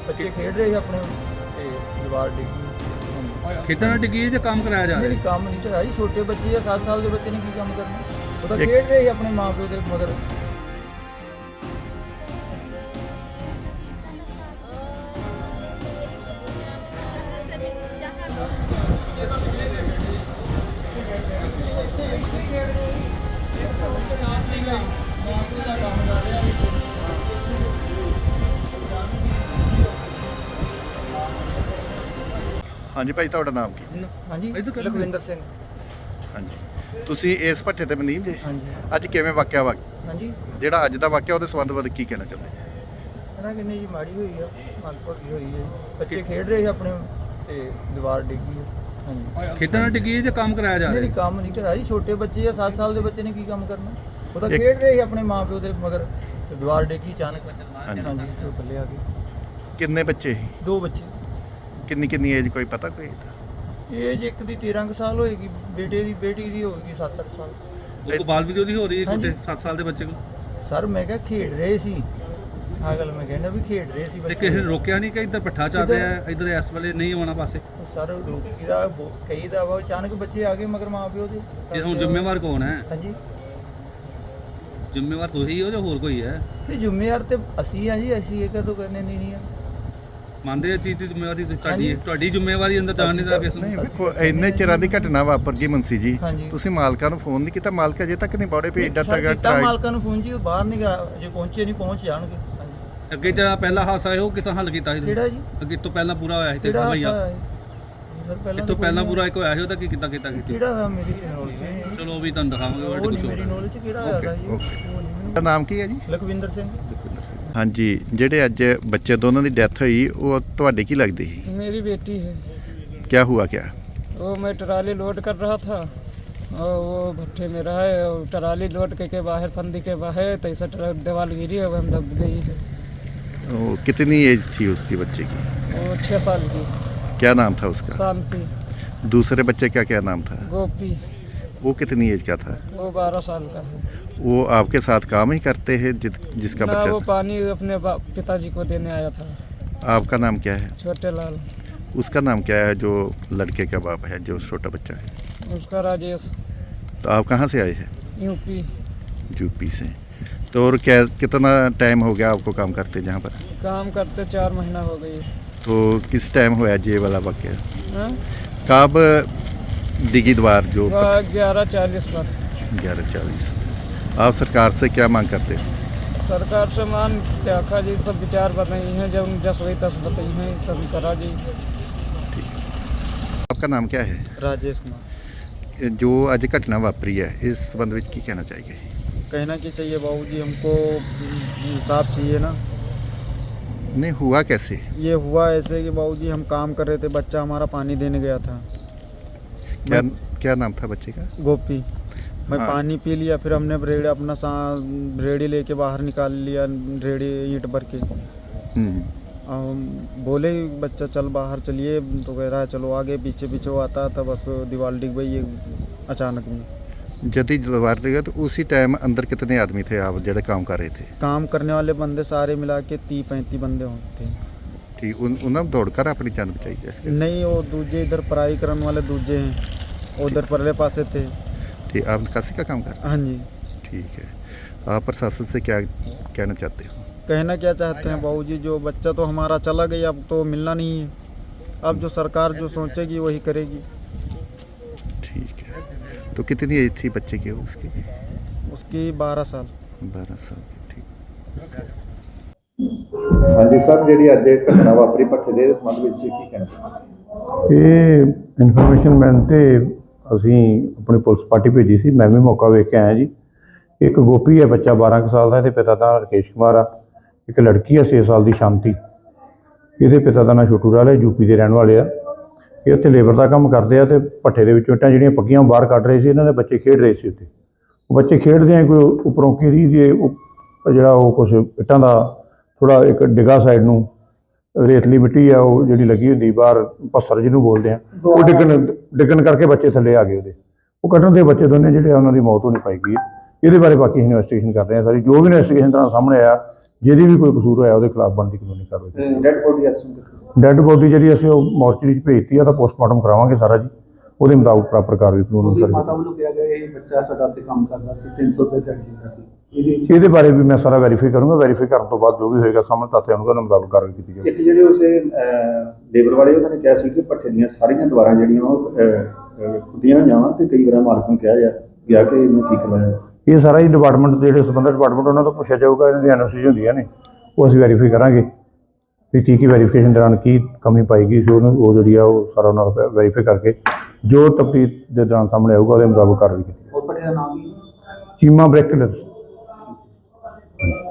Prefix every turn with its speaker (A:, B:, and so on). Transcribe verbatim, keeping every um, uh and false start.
A: बच्चे खेड रहे अपने ते दीवार डिग्गी
B: खेडण डिग्गी ਜਾਂ ਕੰਮ ਕਰਾਇਆ ਜਾ
A: नहीं
B: ਰਿਹਾ
A: काम नहीं कराया जी छोटे बच्चे है सात साल के बच्चे ने की काम करना वो तो खेड रहे अपने माँ प्यो के मगर
C: हाँ जी भाई ਤੁਹਾਡਾ ਨਾਮ ਕੀ?
A: हाँ जी लखविंदर सिंह
C: ਹਾਂਜੀ ਤੁਸੀਂ ਇਸ ਭੱਠੇ ਤੇ ਮਨੀਮ ਜੇ
A: हाँ जी
C: ਅੱਜ ਕਿਵੇਂ ਵਾਕਿਆ ਵਾ
A: हाँ जी
C: ਜਿਹੜਾ ਅੱਜ ਦਾ ਵਾਕਿਆ ਉਹਦੇ ਸੰਬੰਧ ਵਿੱਚ ਕੀ ਕਹਿਣਾ ਚਾਹੁੰਦੇ ਜੀ?
A: ਇਹਨਾਂ ਕਿੰਨੀ ਜੀ ਮਾੜੀ ਹੋਈ ਆ ਮੰਦਭਾਗੀ ਹੋਈ ਹੈ ਬੱਚੇ ਖੇਡ ਰਹੇ ਆਪਣੇ ਤੇ ਦੀਵਾਰ ਡਿੱਗੀ ਹਾਂਜੀ
B: ਖੇਡਣ ਡਿੱਗੀ ਜਾਂ ਕੰਮ ਕਰਾਇਆ ਜਾ
A: ਨਹੀਂ
B: ਰਿਹਾ
A: ਕੰਮ ਨਹੀਂ ਕਰਾਇਆ ਜੀ ਛੋਟੇ ਬੱਚੇ ਆ ਸੱਤ ਸਾਲ ਦੇ ਬੱਚੇ ਨੇ ਕੀ ਕੰਮ ਕਰਨਾ ਉਹ ਤਾਂ ਖੇਡ ਰਹੇ ਸੀ ਆਪਣੇ ਮਾਂ ਪਿਓ ਦੇ ਮਗਰ ਤੇ ਦੀਵਾਰ ਡਿੱਗੀ ਅਚਾਨਕ
C: ਹਾਂਜੀ।
A: ਹਾਂਜੀ ਤੇ ਥੱਲੇ ਆ ਗਏ
C: ਕਿੰਨੇ ਬੱਚੇ ਸੀ?
A: ਦੋ ਬੱਚੇ
C: ਕਿੰਨੀ ਕਿੰਨੀ ਏਜ ਕੋਈ ਪਤਾ ਕੋਈ?
A: ਏਜ ਇੱਕ ਦੀ ਤੇਰਾਂ ਕੁ ਸਾਲ ਹੋਏਗੀ ਬੇਟੇ ਦੀ ਬੇਟੀ ਦੀ ਹੋਏਗੀ ਸੱਤ ਅੱਠ ਸਾਲ
B: ਉਹ ਤੋਂ ਬਾਲ ਵੀਡੀਓ ਦੀ ਹੋ ਰਹੀ ਹੈ
A: ਹਾਂਜੀ।
B: ਛੋਟੇ ਸੱਤ ਸਾਲ ਦੇ ਬੱਚੇ ਕੋਲ
A: ਸਰ ਮੈਂ ਕਿਹਾ ਖੇਡ ਰਹੇ ਸੀ ਆਹ ਗੱਲ ਮੈਂ ਕਹਿੰਦਾ ਵੀ ਖੇਡ ਰਹੇ ਸੀ
B: ਤੇ
A: ਬੱਚੇ
B: ਕਿਸੇ ਨੇ ਰੋਕਿਆ ਨਹੀਂ ਕਿ ਇੱਧਰ ਭੱਠਾ ਚੱਲ ਰਿਹਾ ਹੈ ਇੱਧਰ ਇਸ ਵੇਲੇ ਨਹੀਂ ਆਉਣਾ ਪਾਸੇ
A: ਸਰ ਰੋਕੀ ਦਾ ਬੋ- ਕਈ ਦਾ ਵਾ ਅਚਾਨਕ ਬੱਚੇ ਆ ਗਏ ਮਗਰ ਮਾਂ ਪਿਓ ਦੇ
B: ਇਹ ਹੁਣ ਜ਼ਿੰਮੇਵਾਰ ਕੌਣ ਹੈ
A: ਹਾਂਜੀ
B: ਜ਼ਿੰਮੇਵਾਰ ਤੁਸੀਂ ਹੋ ਜਾਂ ਹੋਰ ਕੋਈ ਹੈ
A: ਨਹੀਂ ਜ਼ਿੰਮੇਵਾਰ ਤੇ ਅਸੀਂ ਆ ਜੀ ਅਸੀਂ ਇਹ ਕਦੋਂ ਕਰਨੇ ਨਹੀਂ ਆ
B: ਮੰਨਦੇ ਆ ਚੀਜ਼ ਦੀ ਜ਼ਿੰਮੇਵਾਰੀ ਤੁਹਾਡੀ
A: ਹਾਂਜੀ।
B: ਹੈ ਤੁਹਾਡੀ ਜ਼ਿੰਮੇਵਾਰੀ ਅੰਦਰ ਜਾਣ ਨਹੀਂ ਦਾ ਕਿਸ
C: ਨਹੀਂ
B: ਨੂੰ
C: ਵੇਖੋ ਇੰਨੇ ਚਿਰਾਂ ਦੀ ਘਟਨਾ ਵਾਪਰ ਗਈ ਮੁੰਸੀ ਜੀ
A: ਹਾਂਜੀ।
C: ਤੁਸੀਂ ਮਾਲਕਾਂ ਨੂੰ ਫੋਨ ਨਹੀਂ ਕੀਤਾ? ਮਾਲਕ ਅਜੇ ਤੱਕ ਨਹੀਂ ਬੌੜੇ ਵੀ ਏਡਾ
A: ਸਰ,
C: ਤਗੜਾ
A: ਕੀਤਾ ਮਾਲਕਾਂ ਨੂੰ ਫੋਨ ਜੀ ਉਹ ਬਾਹਰ ਨਹੀਂ ਗਿਆ ਜੇ ਪਹੁੰਚੇ ਨਹੀਂ ਪਹੁੰਚ ਜਾਣਗੇ ਹਾਂਜੀ
B: ਅੱਗੇ ਜਿਹੜਾ ਪਹਿਲਾ ਹਾਦਸਾ ਹੈ ਉਹ ਕਿਸਾਂ ਹੱਲ ਕੀਤਾ ਸੀ ਤੁਸੀਂ?
A: ਕਿਹੜਾ ਜੀ
B: ਅੱਗੇ ਤੋਂ ਪਹਿਲਾਂ ਪੂਰਾ ਹੋਇਆ ਸੀ ਤੇ
A: ਕਿਹੜਾ
B: ਭਈਆ
A: ਹਾਦਸਾ ਹੈ? ਸਰ
B: ਇਹ
A: ਪਹਿਲਾਂ
B: ਤੋਂ
A: ਤਾਂ
B: ਪਹਿਲਾਂ
A: ਕੋਈ
B: ਪੂਰਾ ਇੱਕ ਹੋਇਆ ਸੀ ਉਹਦਾ ਕੀ ਕੀਤਾ ਕੀਤਾ ਕੀਤੀ
A: ਕਿਹੜਾ ਹੋਇਆ ਮੇਰੀ ਨੌਲੇਜ ਨਹੀਂ
B: ਚਲੋ ਉਹ ਵੀ ਤੁਹਾਨੂੰ ਦਿਖਾਵਾਂਗੇ
A: ਉਹ
B: ਵਰਡ
A: ਨਹੀਂ
B: ਕੁਝ
A: ਮੇਰੀ
B: ਹੋਰ
A: ਨੌਲੇਜ ਕਿਹੜਾ ਹੋਇਆ ਜੀ ਉਹ
C: ਓਕੇ।
A: ਨਹੀਂ ਮੈਨੂੰ
C: ਦਾ ਨਾਮ ਕੀ ਹੈ ਜੀ?
A: ਲਖਵਿੰਦਰ ਸਿੰਘ
C: ਹਾਂਜੀ ਜਿਹੜੇ ਅੱਜ ਬੱਚੇ ਦੋਨੋਂ ਦੀ ਡੈਥ ਹੋਈ ਉਹ ਤੁਹਾਡੇ ਕੀ ਲੱਗਦੀ ਸੀ?
D: मेरी बेटी है
C: क्या हुआ क्या?
D: वो मैं ट्राली लोड कर रहा था और वो भट्टे में रहा है और ट्राली लोड के, के बाहर फंदी के बाहर तो ऐसा ट्रक दीवार गिरी है वो हम दब गई है
C: वो कितनी एज थी उसकी बच्चे की?
D: वो छः साल की
C: क्या नाम था उसका?
D: शांति
C: दूसरे बच्चे का क्या नाम था?
D: गोपी
C: वो कितनी एज का था?
D: वो बारह साल का है
C: वो आपके साथ काम ही करते हैं जित, जिसका
D: ना
C: बच्चा
D: वो
C: था?
D: पानी अपने बा- पिताजी को देने आया था
C: आपका नाम क्या है?
D: छोटे लाल
C: उसका नाम क्या है जो लड़के का बाप है जो छोटा बच्चा है?
D: उसका राजेश
C: तो आप कहाँ से आए हैं?
D: यूपी
C: यूपी से। तो और क्या कितना टाइम हो गया आपको काम करते जहाँ पर?
D: काम करते चार महीना हो गई
C: तो किस टाइम हुआ ये वाला वाक्य?
D: हाँ?
C: कब डिगी द्वार जो
D: वह ग्यारह चालीस पर
C: ग्यारह चालीस आप सरकार से क्या मांग करते हो?
D: सरकार से मान त्याखा जी सब विचार बन रही हैं जब जस वही तस बताई हैं तब करा जी
C: आपका नाम क्या है?
A: राजेश कुमार
C: जो आज घटना वापरी है इस संबंध में की कहना चाहिए?
A: कहना क्या चाहिए बाबूजी हमको इंसाफ चाहिए ना
C: नहीं हुआ कैसे?
A: ये हुआ ऐसे कि बाबूजी हम काम कर रहे थे बच्चा हमारा पानी देने गया था
C: क्या क्या नाम था बच्चे का?
A: गोपी मैं
C: हाँ।
A: पानी पी लिया फिर हमने रेड़ी अपना सा रेड़ी लेके बाहर निकाल लिया रेड़ी ईंट भर के
C: हम्म।
A: हम बोले बच्चा चल बाहर चलिए तो कह रहा है चलो आगे पीछे पीछे वो आता था बस दीवार डिग गई ये अचानक में
C: जब ही दीवार लगा तो उसी टाइम अंदर कितने आदमी थे आप जो काम कर रहे थे?
A: काम करने वाले बंदे सारे मिला के तीस पैंतीस बंदे होते हैं
C: ठीक उन उन्होंने दौड़कर अपनी जान बचाई जैसे?
A: नहीं वो दूजे इधर पढ़ाई करने वाले दूजे हैं उधर परले पासे थे
C: ठीक आप निकासी का काम कर रहे
A: हाँ जी
C: हैं? ठीक है। आप प्रशासन से क्या कहना चाहते हो?
A: कहना क्या चाहते हैं बाबूजी जो बच्चा तो हमारा चला गया अब तो मिलना नहीं है अब जो सरकार जो सोचेगी वही करेगी
C: ठीक है। तो कितनी एज थी बच्चे की उसकी?
A: उसकी बारह साल
C: बारह साल की। ठीक हाँ जी सर जी अज घटना वापरी भट्ठे के संबंध में की कहना चाहते?
E: ਇਹ ਇਨਫੋਰਮੇਸ਼ਨ ਮਿਲਣ 'ਤੇ ਅਸੀਂ ਆਪਣੀ ਪੁਲਿਸ ਪਾਰਟੀ ਭੇਜੀ ਸੀ। ਮੈਂ ਵੀ ਮੌਕਾ ਵੇਖ ਕੇ ਆਇਆ ਜੀ। ਇੱਕ ਗੋਪੀ ਹੈ ਬੱਚਾ ਬਾਰਾਂ ਕੁ ਸਾਲ ਦਾ, ਇਹਦੇ ਪਿਤਾ ਦਾ ਰਕੇਸ਼ ਕੁਮਾਰ ਆ। ਇੱਕ ਲੜਕੀ ਹੈ ਛੇ ਸਾਲ ਦੀ ਸ਼ਾਂਤੀ, ਇਹਦੇ ਪਿਤਾ ਦਾ ਨਾਂ ਛੋਟੂ ਲਾਲ ਹੈ, ਯੂਪੀ ਦੇ ਰਹਿਣ ਵਾਲੇ ਆ। ਇਹ ਉੱਥੇ ਲੇਬਰ ਦਾ ਕੰਮ ਕਰਦੇ ਆ ਅਤੇ ਭੱਠੇ ਦੇ ਵਿੱਚੋਂ ਇੱਟਾਂ ਜਿਹੜੀਆਂ ਪੱਕੀਆਂ ਬਾਹਰ ਕੱਢ ਰਹੇ ਸੀ। ਇਹਨਾਂ ਦੇ ਬੱਚੇ ਖੇਡ ਰਹੇ ਸੀ ਉੱਥੇ। ਉਹ ਬੱਚੇ ਖੇਡਦੇ ਆ ਕੋਈ ਉੱਪਰੋਂ ਘੇਰੀ ਦੇ ਜਿਹੜਾ ਉਹ ਕੁਛ ਇੱਟਾਂ ਦਾ ਥੋੜ੍ਹਾ ਇੱਕ ਡਿੱਗਾ ਸਾਈਡ ਨੂੰ ਰੇਤਲੀ ਮਿੱਟੀ ਆ ਉਹ ਜਿਹੜੀ ਲੱਗੀ ਹੁੰਦੀ ਬਾਹਰ ਪੱਥਰ ਜਿਹਨੂੰ ਬੋਲਦੇ ਆ, ਉਹ ਡਿੱਗਣ ਡਿੱਗਣ ਕਰਕੇ ਬੱਚੇ ਥੱਲੇ ਆ ਗਏ ਉਹਦੇ। ਉਹ ਕੱਢਣ ਦੇ ਬੱਚੇ ਦੋਨੇ ਜਿਹੜੇ ਆ ਉਹਨਾਂ ਦੀ ਮੌਤ ਹੋਣੀ ਪਾਈ ਗਈ ਹੈ। ਇਹਦੇ ਬਾਰੇ ਬਾਕੀ ਇਨਵੈਸਟੀਗੇਸ਼ਨ ਕਰ ਰਹੇ ਆ ਸਾਰੀ। ਜੋ ਵੀ ਇਨਵੈਸਟੀਗੇਸ਼ਨ ਤਰ੍ਹਾਂ ਸਾਹਮਣੇ ਆਇਆ ਜਿਹਦੀ ਵੀ ਕੋਈ ਕਸੂਰ ਹੋਇਆ ਉਹਦੇ ਖਿਲਾਫ ਬਣਦੀ ਕਾਨੂੰਨੀ ਕਾਰਵਾਈ।
C: ਡੈਡ ਬੋਡੀ ਇਸ ਨੂੰ
E: ਡੈੱਡ ਬੋਡੀ ਜਿਹੜੀ ਅਸੀਂ ਉਹ ਮੋਰਚਰੀ 'ਚ ਭੇਜਤੀ ਆ, ਤਾਂ ਪੋਸਟਮਾਰਟਮ ਕਰਾਵਾਂਗੇ ਸਾਰਾ ਜੀ, ਉਹਦੇ ਮੁਤਾਬਕ ਪ੍ਰੋਪਰ ਕਾਰਵਾਈ ਕਾਨੂੰਨ
F: ਉਹਦੀ
E: ਅਨੁਸਾਰ
F: ਮਾਤਾ ਵੱਲੋਂ ਕਿਹਾ ਗਿਆ ਇਹ ਬੱਚਾ ਸਾਡਾ ਉੱਥੇ ਕੰਮ ਕਰਦਾ ਸੀ, ਤਿੰਨ ਸੌ ਰੁਪਏ ਦਿਹਾੜੀ ਦਿੰਦਾ ਸੀ। ਇਹਦੇ ਵਿੱਚ
E: ਇਹਦੇ ਬਾਰੇ ਵੀ ਮੈਂ ਸਾਰਾ ਵੈਰੀਫਾਈ ਕਰੂੰਗਾ। ਵੈਰੀਫਾਈ ਕਰਨ ਤੋਂ ਬਾਅਦ ਜੋ ਵੀ ਹੋਏਗਾ ਸਾਹਮਣੇ ਤੱਥ ਆਉਣਗੇ, ਉਹਨਾਂ ਮੁਤਾਬਕ ਕਾਰਵਾਈ ਕੀਤੀ ਜਾਵੇਗੀ।
C: ਇੱਕ ਜਿਹੜੇ ਉਸੇ ਲੇਬਰ ਵਾਲੇ ਉਹਨਾਂ ਨੇ ਕਿਹਾ ਸੀ ਕਿ ਭੱਠੇ ਦੀਆਂ ਸਾਰੀਆਂ ਦੀਵਾਰਾਂ ਜਿਹੜੀਆਂ ਉਹ ਖੁੱਦੀਆਂ ਹੋਈਆਂ ਵਾ, ਤੇ ਕਈ ਵਾਰ ਮਾਲਕ ਨੂੰ ਕਿਹਾ ਜਾ ਗਿਆ ਕਿ ਇਹਨੂੰ ਠੀਕ ਕਰਵਾਇਆ।
E: ਇਹ ਸਾਰਾ ਹੀ ਡਿਪਾਰਟਮੈਂਟ ਜਿਹੜੇ ਸੰਬੰਧਿਤ ਡਿਪਾਰਟਮੈਂਟ ਉਹਨਾਂ ਤੋਂ ਪੁੱਛਿਆ ਜਾਊਗਾ। ਇਹਨਾਂ ਦੀ ਐਨ ਓ ਸੀ ਹੁੰਦੀਆਂ ਨੇ, ਉਹ ਅਸੀਂ ਵੈਰੀਫਾਈ ਕਰਾਂਗੇ ਵੀ ਕੀ ਕੀ ਵੈਰੀਫਿਕੇਸ਼ਨ ਦੌਰਾਨ ਕੀ ਕਮੀ ਪਾਈ ਗਈ ਸੀ, ਉਹਨੂੰ ਉਹ ਜਿਹੜੀ ਆ ਉਹ ਸਾਰਾ ਉਹਨਾਂ ਦਾ ਵੈਰੀਫਾਈ ਕਰਕੇ ਜੋ ਤਫਤੀਸ਼ ਦੇ ਦੌਰਾਨ ਸਾਹਮਣੇ ਆਊਗਾ ਉਹਦੇ ਮੁਤਾਬਕ ਕਾਰਵਾਈ ਕੀਤੀ।
F: ਉਹ ਭੱਠੇ ਦਾ ਨਾਮ ਕੀ?
E: ਚੀਮਾ ਬ੍ਰੈਕਲਸ।